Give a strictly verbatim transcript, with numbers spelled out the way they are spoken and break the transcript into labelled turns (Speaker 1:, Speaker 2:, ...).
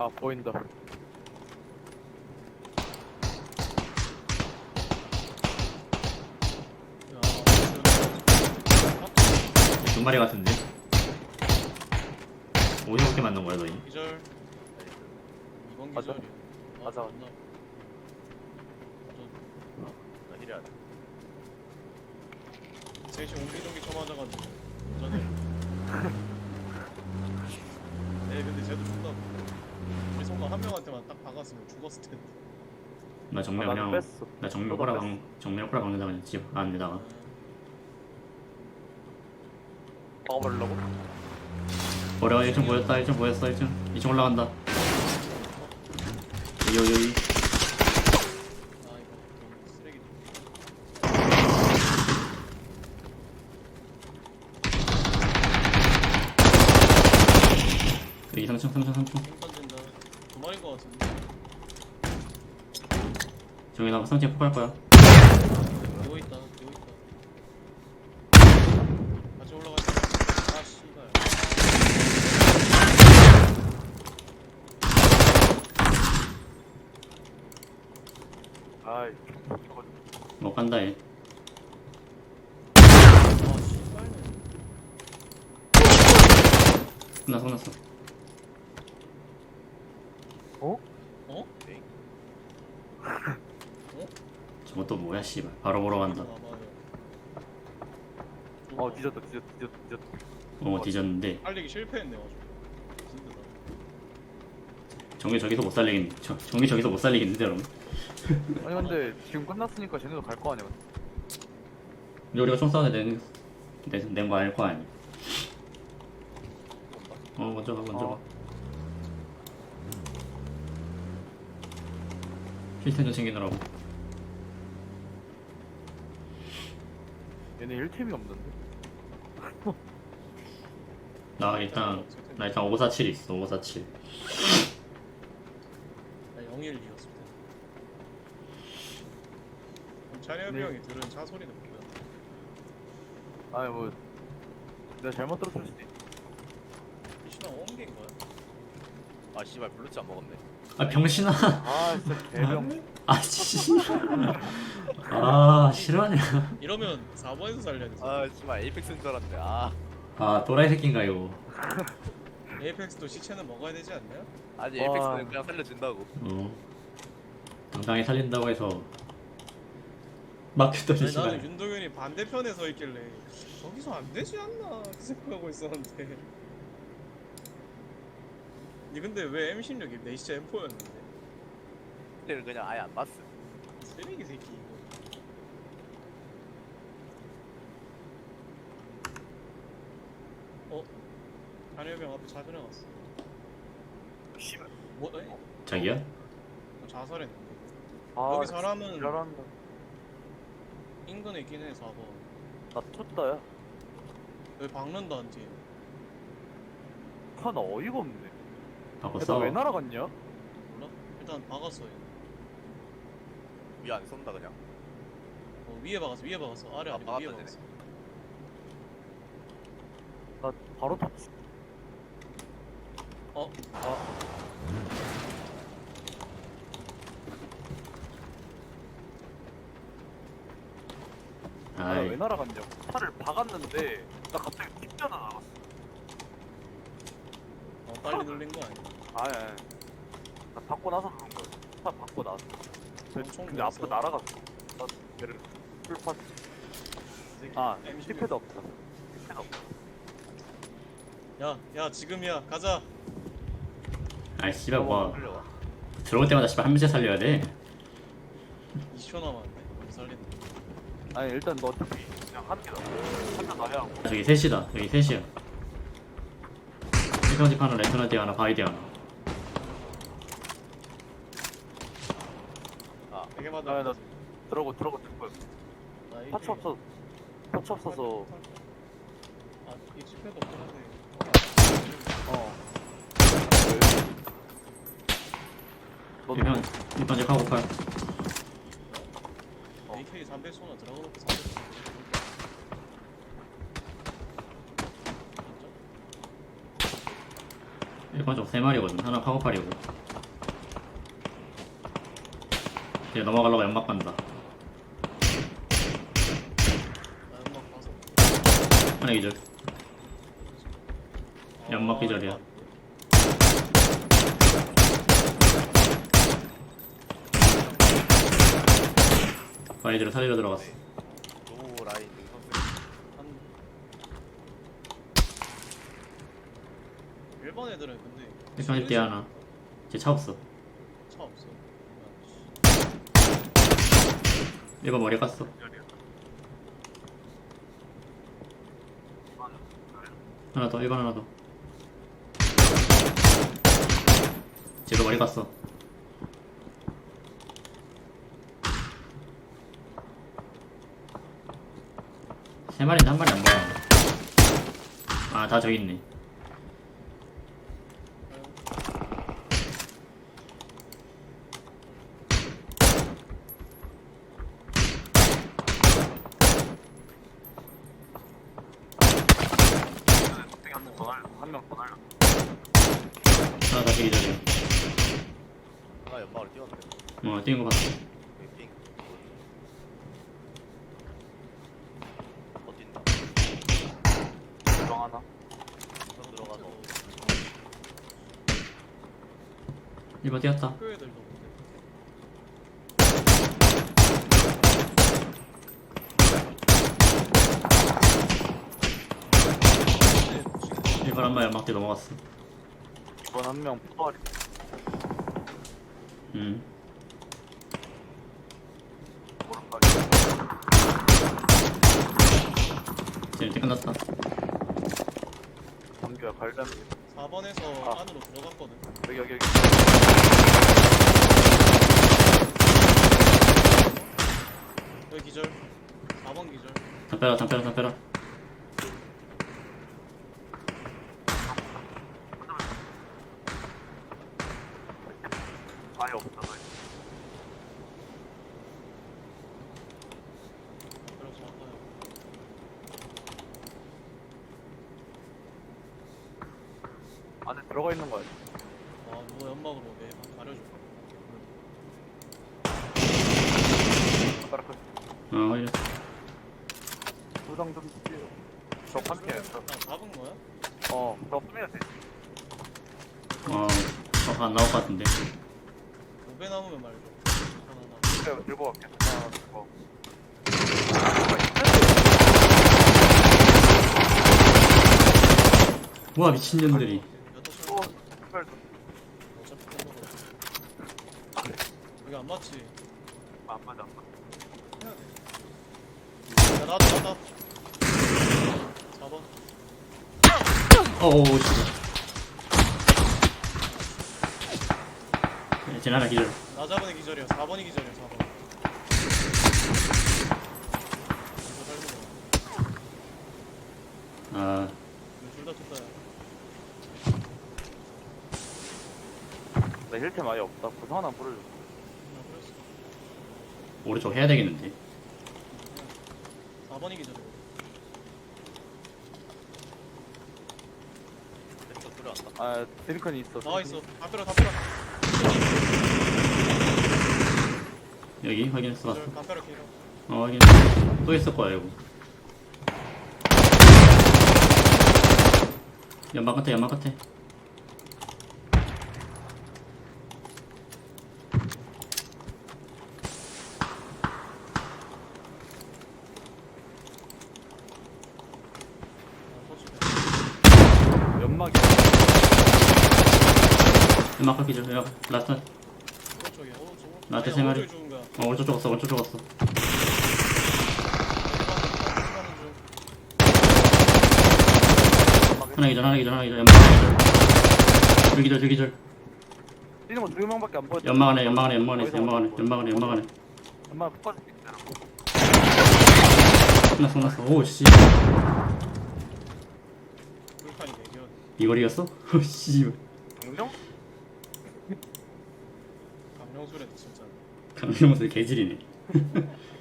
Speaker 1: 보인다.
Speaker 2: 두 마리 같은데? 어디서 만든 거야 너희?
Speaker 3: 기절. 이번
Speaker 1: 맞아.
Speaker 3: 기절이야.
Speaker 1: 맞아.
Speaker 3: 맞나?
Speaker 4: 나 힐해야 돼.
Speaker 3: 셋이 옹기종기 쳐맞아가지고 전에. 네, 근데 쟤도 죽다. 우리 성가 한 명한테만 딱 박았으면 죽었을 텐데.
Speaker 2: 나 정면
Speaker 1: 아, 나도
Speaker 2: 그냥
Speaker 1: 뺐어.
Speaker 2: 나 정면
Speaker 1: 너도
Speaker 2: 꼬라
Speaker 1: 뺐어.
Speaker 2: 방 정면 꼬라 박는다 그냥 집 안에다가
Speaker 1: 먹어버리려고?
Speaker 2: 버려. 일 층 보였다. 일 층 보였어. 일 층 이 층 올라간다. 여기 여기 여기.
Speaker 3: 아 이거 너무 쓰레기.
Speaker 2: 여기 삼 층 삼 층 삼 층.
Speaker 3: 힘 던진다. 두 마리인 것 같은데.
Speaker 2: 저기 나 삼 층 폭할 거야.
Speaker 3: 누워 있다. 누워 있다. 같이 올라가. 아 씨발.
Speaker 1: 아이,
Speaker 2: 못 간다 얘.
Speaker 3: 아 씨발네.
Speaker 2: 끝났어 끝났어.
Speaker 1: 어?
Speaker 3: 어?
Speaker 2: 저것도 뭐야 씨발. 바로 보러 간다.
Speaker 3: 나봐요.
Speaker 1: 어, 뒤졌다, 뒤졌다, 뒤졌다, 뒤졌다.
Speaker 2: 어 뒤졌는데
Speaker 3: 살리기 실패했네 가지고. 힘들다.
Speaker 2: 정규 저기서 못 살리겠네. 저, 정규 저기서 못 살리겠는데 여러분.
Speaker 1: 아니, 근데 지금 끝났으니까 쟤네도 갈 거 아니야.
Speaker 2: 근데 우리가 총 싸우는데 낸거 아닐 거 아니야. 어 먼저 가 먼저 가.
Speaker 1: 어.
Speaker 2: 힐템 좀 챙기느라고.
Speaker 1: 얘네 일 팀이 없는데?
Speaker 2: 나 일단 나 일단 오사칠 있어. 오사칠.
Speaker 3: 나 영일이었을 때. 차례비
Speaker 1: 네.
Speaker 3: 형이 들은 차 소리는 뭐야?
Speaker 1: 아니, 뭐, 내가 잘못 들었을 수도 있어.
Speaker 3: 이신아 옮긴 거야?
Speaker 4: 아 씨발 블루치 안 먹었네.
Speaker 2: 아 병신아.
Speaker 1: 아, 진짜 개병.
Speaker 2: 아 씨. 아 싫어하냐.
Speaker 3: 이러면 사 번에서 살려야 돼.
Speaker 4: 아 씨발 에이펙스인 줄 알았네. 아
Speaker 2: 아 또라이 새끼인가 이거.
Speaker 3: 에이펙스도 시체는 먹어야 되지 않나요?
Speaker 4: 아니
Speaker 1: 와.
Speaker 4: 에이펙스는 그냥 살려준다고.
Speaker 2: 어. 당당히 살린다고 해서 막혔더니
Speaker 3: 아니, 나는
Speaker 2: 씨발.
Speaker 3: 윤동현이 반대편에 서 있길래 저기서 안 되지 않나 이렇게 생각하고 있었는데. 니 근데 왜 엠 십육이 내 시체 엠 포였는데?
Speaker 4: 그때는 그냥 아예 안 봤어.
Speaker 3: 쓰레기 새끼 이거. 어? 잔여병 앞에 차 지나갔어.
Speaker 1: 씨발.
Speaker 3: 뭐? 에이?
Speaker 2: 자기야?
Speaker 3: 어, 자살했는데.
Speaker 1: 아,
Speaker 3: 여기 사람은
Speaker 1: 잘한다.
Speaker 3: 인근에 있긴 해. 사 번.
Speaker 1: 나 쳤다야.
Speaker 3: 여기 박는다 한 팀.
Speaker 1: 하나 어이가 없네.
Speaker 2: 바꿨어.
Speaker 1: 왜 날아갔냐?
Speaker 3: 몰라? 일단 박았어 얘.
Speaker 4: 위 안 쏜다 그냥.
Speaker 3: 어, 위에 박았어 위에 박았어. 아래
Speaker 4: 아,
Speaker 3: 아니고 위에
Speaker 4: 박았다,
Speaker 3: 박았어.
Speaker 1: 나 바로 탔어.
Speaker 3: 어?
Speaker 1: 아, 나 왜
Speaker 2: 아이.
Speaker 1: 날아갔냐? 차를 박았는데 나 갑자기 튕겨나 나갔어.
Speaker 3: 어 빨리 눌린 거 아니야?
Speaker 1: 아예. 나 받고 나서 그런 거야. 차 받고 나서.
Speaker 3: 엄청
Speaker 1: 근데 앞으로
Speaker 3: 놀랐어.
Speaker 1: 날아갔어. 나 걔를 풀판.
Speaker 3: 이 새끼
Speaker 1: 아,
Speaker 3: 엠 십육.
Speaker 1: 티패드 없다. 티패드 없다.
Speaker 3: 야, 야 지금이야 가자.
Speaker 2: 아이 씨발 뭐
Speaker 4: 끌려와.
Speaker 2: 들어올 때마다 씨발 한 명씩 살려야 돼.
Speaker 3: 이십 초 남았네. 못 살린다.
Speaker 1: 아니 일단 너 어차피 그냥 한 개다. 한명 나야 하고.
Speaker 2: 저기 셋이다. 여기 셋이야. 일평집 하나, 레터너티 하나, 바이디 하나.
Speaker 3: 되게
Speaker 1: 아,
Speaker 3: 맞아.
Speaker 1: 나 들어고 들어고 들 거야. 터치 없어. 터치 없어서.
Speaker 3: 아, 익숙해도 없긴 한데.
Speaker 1: 어. 너도
Speaker 2: 일평 일평집 하고 팔.
Speaker 3: 에이케이 삼백 쏘나 들어가놓고 삼백 쏘나. 진짜?
Speaker 2: 일평집 맞아 세 마리거든. 하나 카고팔이고. 이제 넘어가려고 연막 간다.
Speaker 3: 나 연막 가서.
Speaker 2: 하나 기절. 연막
Speaker 3: 아,
Speaker 2: 기절이야.
Speaker 3: 이거
Speaker 2: 바이드를 살리러 들어갔어.
Speaker 4: 노 라인 능선수.
Speaker 3: 한 일본 애들은 근데
Speaker 2: 일반 때 하나. 이제 차 없어.
Speaker 3: 차 없어.
Speaker 2: 일반 머리 깠어. 하나 더, 일반 하나 더. 쟤도 머리 깠어. 세 마리인데 한 마리 안 보여. 아, 다 저기 있네.
Speaker 1: 한명더 날려.
Speaker 2: 하나 다시 기다려.
Speaker 4: 하나 연막을 띄웠는데.
Speaker 2: 어, 뛰는 거 봤어.
Speaker 4: 여기 핑. 어딘다.
Speaker 1: 정 하나.
Speaker 4: 저 들어가서.
Speaker 2: 일반 뛰었다.
Speaker 3: 학교 애들도 근데
Speaker 2: 일반 한 마리 연막대 넘어갔어.
Speaker 1: 이번 한명 포괄이.
Speaker 2: 음.
Speaker 1: 오른발이.
Speaker 2: 이제 이제 끝났다.
Speaker 1: 범규야 관련.
Speaker 3: 사 번에서
Speaker 1: 아.
Speaker 3: 안으로 들어갔거든.
Speaker 1: 여기 여기 여기.
Speaker 3: 여기 기절. 사 번 기절.
Speaker 2: 담벼라, 담벼라, 담벼라.
Speaker 1: 아예 없어. 너.
Speaker 3: 그래서 아파요.
Speaker 1: 안에 들어가 있는 거야.
Speaker 3: 아 누가 연막으로 내 가려줘.
Speaker 1: 따라 그
Speaker 2: 어, 확인.
Speaker 1: 부상 좀 주세요. 저 판피야.
Speaker 3: 아 잡은 거야?
Speaker 1: 어, 너 쓰면 돼.
Speaker 2: 어, 어, 안 나올 것 같은데.
Speaker 3: 오배 남으면 말줘. 하나
Speaker 1: 그래, 들고 갈게. 하나 들고.
Speaker 2: 우와, 미친년들이.
Speaker 3: 여덟 시
Speaker 1: 또 특별 좀.
Speaker 3: 어차피 템포로. 여기 안 맞지?
Speaker 1: 안 맞아. 안 맞아.
Speaker 3: 해야 돼. 야 나왔다 나왔다. 사 번.
Speaker 2: 어어, 진짜. 쟤 하나 기절.
Speaker 3: 나 잡은 애 기절이야. 사 번이 기절이야. 사 번. 이거 살리고.
Speaker 2: 아,
Speaker 3: 둘다 쳤다야.
Speaker 1: 나 힐템 아예 없다. 구상 하나 뿌려줘.
Speaker 3: 나 그랬어.
Speaker 2: 오른쪽 해야 되겠는데.
Speaker 3: 사 번이 기절이야.
Speaker 4: 왼쪽 들어왔다.
Speaker 1: 아, 드링컨이 있어.
Speaker 3: 나와 있어. 다 빼라 다 빼라.
Speaker 2: 여기 확인했어, 봤어.
Speaker 3: 기절 다 빼라 기절.
Speaker 2: 어, 확인했어. 또 있을 거야, 이거. 연막 끝에, 연막 끝에.
Speaker 3: 아 터치돼.
Speaker 1: 연막이.
Speaker 2: 연막 끝 기절. 연막, 라스트.
Speaker 3: 오른쪽이야. 오른쪽.
Speaker 2: 나한테
Speaker 3: 아니야,
Speaker 2: 세 마리.
Speaker 3: 오른쪽이 죽은 거야.
Speaker 2: 어, 오른쪽 죽었어, 오른쪽 죽었어. 하나 기절, 하나 기절, 하나 기절. 연막 하나 기절. 둘 기절, 둘 기절.
Speaker 1: 뛰는 거두 명밖에 안 보여.
Speaker 2: 연막 안에, 연막 안에, 연막 안에 있어, 연막 안에, 연막 안에, 연막 안에.
Speaker 1: 연막 폭발줄게.
Speaker 2: 끝났어, 끝났어. 오, 씨.
Speaker 3: 불판이 대결.
Speaker 2: 이거리였어? 오, 씨.
Speaker 1: 강령?
Speaker 3: 강령술에 진짜.
Speaker 2: 강명수 개질이네.